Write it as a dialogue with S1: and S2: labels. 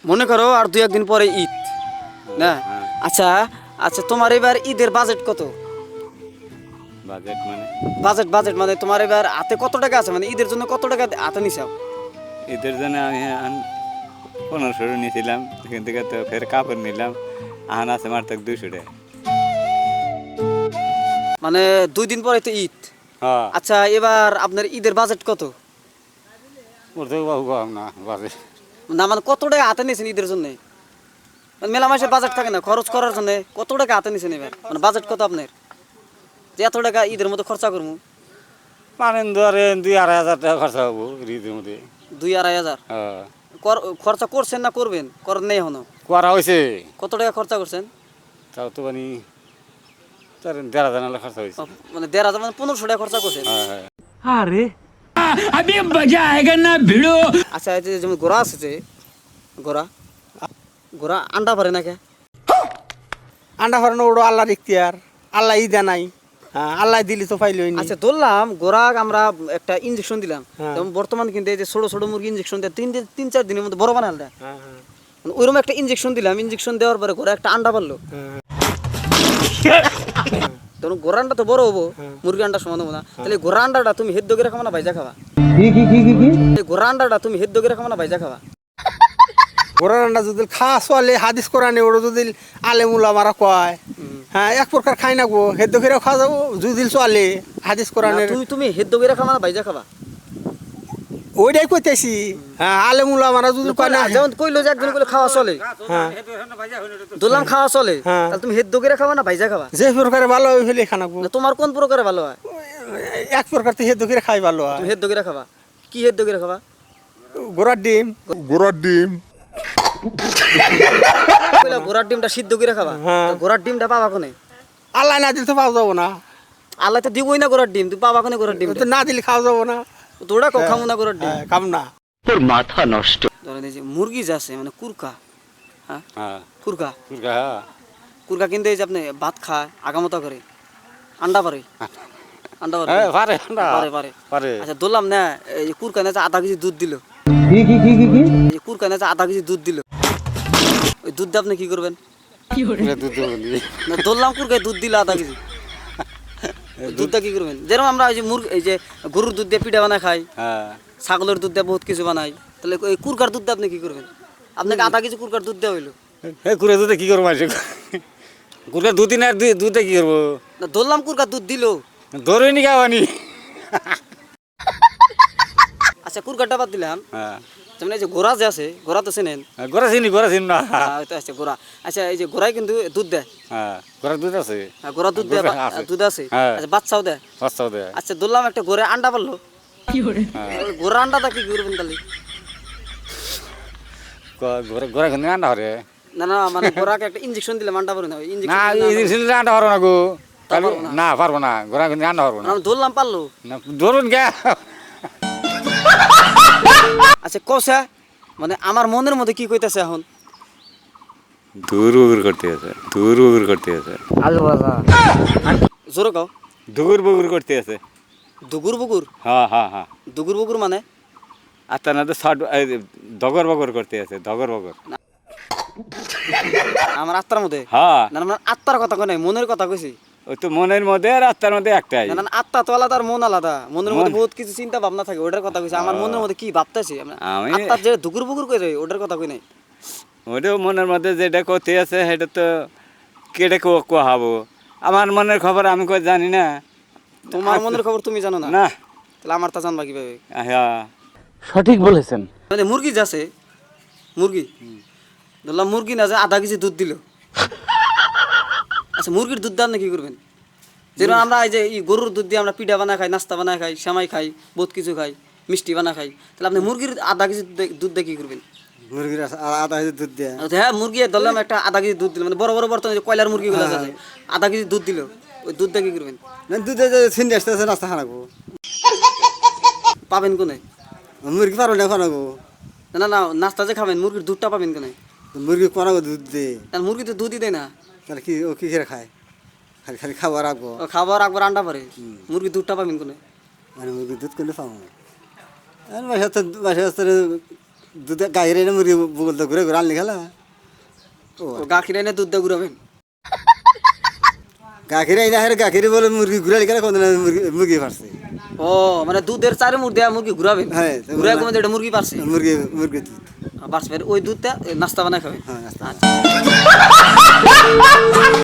S1: মনে করো আর 2-1 দিন পরে ঈদ না? আচ্ছা আচ্ছা, তোমার এবার ঈদের বাজেট কত?
S2: বাজেট মানে
S1: বাজেট বাজেট মানে তোমার এবার হাতে কত টাকা আছে, মানে ঈদের জন্য কত টাকা হাতে নিছাও?
S2: ঈদের জন্য আমি 1500 নিয়েছিলাম, সেখান থেকে তো ফের কাপড় নিলাম, আহান আছে মার থেকে 200 টাকা।
S1: মানে 2 দিন পরে তো ঈদ।
S2: হ্যাঁ,
S1: আচ্ছা এবার আপনার ঈদের বাজেট কত?
S2: ওর থেকে বাবু কম না বাজেট।
S1: না মানে কত টাকা হাতে নিয়েছেন ঈদের জন্য? মানে মেলা মাসের বাজেট থাকে না খরচ করার জন্য, কত টাকা হাতে নিয়েছেন এবার? মানে বাজেট কত আপনার যে এত টাকা ঈদের মধ্যে খরচা করবো?
S2: মানে ধরেন 2-2.5 হাজার টাকা খরচা হবো ঈদের মধ্যে।
S1: 2-2.5 হাজার
S2: হ্যাঁ,
S1: খরচা করছেন না করবেন? করেন নেই এখনো?
S2: করা হয়েছে।
S1: কত টাকা খরচা করছেন?
S2: তাও তো মানে 1.5 হাজার নাহলে খরচা হয়েছে।
S1: মানে 1.5 হাজার মানে 1500 টাকা খরচা করছেন।
S2: হ্যাঁ হ্যাঁ।
S3: अरे अभी मजा आएगा ना भिड़ो।
S1: আচ্ছা এই যে যেমন ঘোড়া আছে যে ঘোড়া ঘোড়া আন্ডা পারে না কে?
S4: আন্ডা ফারানো ওড়ো আল্লাহর ইখতিয়ার, আল্লাহ ইদা নাই। হ্যাঁ, আল্লাহ দিলি তো পাইলই নি।
S1: আচ্ছা ধরলাম ঘোড়া আমরা একটা ইনজেকশন দিলাম,
S4: হ্যাঁ।
S1: যেমন বর্তমান কিন্তু এই যে ছোট ছোট মুরগি ইনজেকশন দেয় 3-4 দিনের মধ্যে বড় বানাল দেয়।
S4: হ্যাঁ হ্যাঁ
S1: মানে ওইরকম একটা ইনজেকশন দিলাম, ইনজেকশন দেওয়ার পরে ঘোড়া একটা আন্ডা পারলো,
S4: হ্যাঁ।
S1: তখন ঘোড়া আন্ডা তো বড় হবো, মুরগি আন্ডা সমান হবো না। তাহলে ঘোড়া আন্ডাটা তুমি হেদ্দ করে খাবা না ভাইজা খাবা? এই ঘোড়া আন্ডাটা তুমি হেদ্দ করে খাবা না ভাইজা খাবা?
S4: ঘোড়ার আন্ডা যদি খাওয়া চলে হাদিস কোরআনে ওড়ো যদি আলেমুলা মারা কয়, হ্যাঁ এক প্রকার খাই না গো, হেদ্দ করে খাওয়া যাবো যদি চলে হাদিস
S1: না,
S4: কোরআনের।
S1: তুমি হেদ্দ করে খাবা না ভাইজা খাবা?
S4: ওইটাই কইতেছি। হ্যাঁ, আলেমুলা মারা যদি কয় না,
S1: যেমন কইলো যে একজন কইলো খাওয়া চলে,
S4: হ্যাঁ
S1: ধরলাম খাওয়া চলে,
S4: হ্যাঁ।
S1: তাহলে তুমি হেদ্দ করে খাবা না ভাইজা খাবা?
S4: যে প্রকারে ভালো ওই ফেলে খানা গো।
S1: না, তোমার কোন প্রকারে ভালো হয়?
S4: এক প্রকার তো হেদ্দ করে খাই ভালো হয়।
S1: তুমি হেদ্দ করে খাবা? কি হেদ্দ করে খাবা?
S4: ঘোড়ার ডিম।
S1: কইলা ঘোড়ার ডিমটা সিদ্ধ করে খাবা,
S4: হ্যাঁ।
S1: তো ঘোড়ার ডিমটা পাবা কোনে?
S4: আল্লাহ না দিলে তো পাওয়া যাবো না।
S1: আল্লাহ তো দিবই না ঘোড়ার ডিম, তুই পাবা কোনে ঘোড়ার ডিম?
S4: তো না দিলে খাওয়া যাবো না।
S1: তোরা খামু না ঘোড়ার ডিম।
S4: হ্যাঁ, খাম না।
S1: ধরেন এই যে মুরগি যে আছে মানে কুরকা, হ্যাঁ
S2: হ্যাঁ,
S1: কুরকা,
S2: হ্যাঁ।
S1: কুরকা কিন্তু এই যে আপনি ভাত খায় আগামতা করে, আন্ডা পারে, আন্ডা পারে,
S2: হ্যাঁ, পারে না।
S1: পারে পারে।
S2: পারে।
S1: আচ্ছা ধরলাম না এই যে কুরকা না যে আধা কেজি দুধ দিল, এই যে কুরকা না যে আধা কেজি দুধ দিল, ওই দুধ দিয়ে আপনি কি করবেন?
S2: পুরা দুধ দেবো নি।
S1: না ধরলাম কুরকায় দুধ দিল আধা কেজি, ওই দুধটা কি করবেন? যেরকম আমরা এই যে এই যে গরুর দুধ দিয়ে পিঠা বানায় খাই,
S2: হ্যাঁ,
S1: ছাগলের দুধ দিয়ে বহুত কিছু বানাই, তাহলে এই কুরকার দুধ দিয়ে আপনি কি করবেন? আপনাকে আধা কেজি কুরকার দুধ দেওয়া হইলো,
S2: এই কুড়ে দুধে কি করবো মাসে? কুড়ে দুদিন আর দুধে কি করবো?
S1: না ধরলাম কুরকার দুধ দিল।
S2: ধরে নি খাওয়ানি।
S1: আচ্ছা কুরকারটা বাদ দিলাম,
S2: হ্যাঁ,
S1: যেমন এই যে ঘোড়া যে আছে, ঘোড়া তো চেনেন?
S2: গোড়া চিনি না।
S1: তো আছে ঘোড়া। আচ্ছা এই যে ঘোড়ায় কিন্তু দুধ দেয়,
S2: হ্যাঁ, গোড়ার দুধ আছে।
S1: হ্যাঁ, ঘোড়া দুধ দেয়,
S2: ঘোড়া আছে।
S1: দুধ আছে,
S2: হ্যাঁ।
S1: আচ্ছা বাচ্চাও দেয়।
S2: বাচ্চাও দেয়।
S1: আচ্ছা ধরলাম একটা ঘোড়া আন্ডা পারলো,
S2: হ্যাঁ,
S1: ওই ঘোড়া আন্ডাটা কি করবেন তাহলে?
S2: গোড়া কিন্তু আন্ডা হরে
S1: না না মানে ঘোড়াকে একটা ইঞ্জেকশন দিলাম আন্ডা পারে না,
S2: না,
S1: ইঞ্জেকশন
S2: আন্ডা হরবো না গো।
S1: পারবো না?
S2: না, পারবো না। গোড়া কিন্তু আন্ডা হরবো না।
S1: ধরলাম পারলো।
S2: না, ধরুন গে।
S1: আচ্ছা কষা মানে আমার মনের মধ্যে কি কইতাছে এখন?
S2: দূর বগুর করতে আছে, দূর বগুর করতে আছে,
S1: জোরে কও।
S2: দূর বগুর করতে আছে।
S1: দুগুর বুগুর?
S2: হ্যাঁ হ্যাঁ হ্যাঁ।
S1: দুগুর বুগুর মানে?
S2: আর তা না তো শর্ট দগর বগর করতে আছে, দগর বগর।
S1: আমার আত্মার মধ্যে?
S2: হ্যাঁ,
S1: না না আত্মার কথা কই নাই, মনের কথা কইছি।
S2: ওই তো মনের মধ্যে আর আত্মার মধ্যে একটাই।
S1: না না আত্মা তো আলাদা আর মন আলাদা, মনের মধ্যে বহুত কিছু চিন্তা ভাবনা থাকে, ওটার কথা কইছি। আমার মনের মধ্যে কি ভাবতেছি
S2: আমি
S1: আত্মার যে দুগুর বুগুর কই রে, ওটার কথা কই নাই।
S2: ওটাও মনের মধ্যে যেটা করতে আছে সেটা তো কেটে কোহাবো। আমার মনের খবর আমি কই জানি না।
S1: তোমার মনের খবর তুমি জানো না?
S2: না।
S1: তাহলে আমার তা জানবা কিভাবে?
S2: হ্যাঁ,
S3: সঠিক বলেছেন।
S1: মানে মুরগি যাচ্ছে, মুরগি ধরলাম মুরগি না যে আধা কেজি দুধ দিল। আচ্ছা মুরগির দুধ দিয়ে আপনি কি করবেন? যেরকম আমরা এই যে গরুর দুধ দিয়ে আমরা পিঠা বানা খাই, নাস্তা বানা খাই, সেমাই খাই, বহুত কিছু খাই, মিষ্টি বানা খাই, তাহলে আপনি মুরগির আধা কেজি দুধ দিয়ে কি করবেন?
S4: মুরগির আধা কেজি দুধ দেয়।
S1: আচ্ছা, হ্যাঁ মুরগি ধরলাম একটা আধা কেজি দুধ দিল, মানে বড় বড় বর্তমানে যে কয়লার মুরগিগুলো আছে আধা কেজি দুধ দিল, ওই দুধ দিয়ে কি করবেন?
S4: দুধে ছিন্ডে আসতেছে নাস্তা খানাবো।
S1: পাবেন কোনে?
S4: মুরগি পারো না খানাবো।
S1: না না নাস্তা যে খাবেন মুরগির দুধটা পাবেন কোনে?
S4: মুরগি কোনাবো দুধ দে।
S1: মুরগি তো দুধই দেয় না।
S4: তাহলে কি ও কি করে খায়? খালি খালি খাবার রাখবো।
S1: ও খাবার একবার আন্ডা পারে, মুরগি দুধটা পাবেন কোনে?
S4: মানে মুরগি দুধ করলে পাবো। বাসা বাসা
S5: দুধ গাহিরে এনে মুরগি বলতে ঘুরে ঘুরে আনলি খেলা
S1: গাখির এনে দুধ দিয়ে ঘুরাবেন
S5: গাখিরে এনে হেরে গাখিরে বলে মুরগি ঘুরে খেলা কোন মুরগি পারছে
S1: ও মানে দুধের চারে মুড় দেয়া মুরগি ঘুরাবেন
S5: হ্যাঁ,
S1: ঘুরে কমে এটা মুরগি পারছে
S5: মুরগি মুরগি দুধ
S1: বাড়ছে ওই দুধটা নাস্তা বানায় খাবেন
S5: হ্যাঁ নাস্তা।
S1: আচ্ছা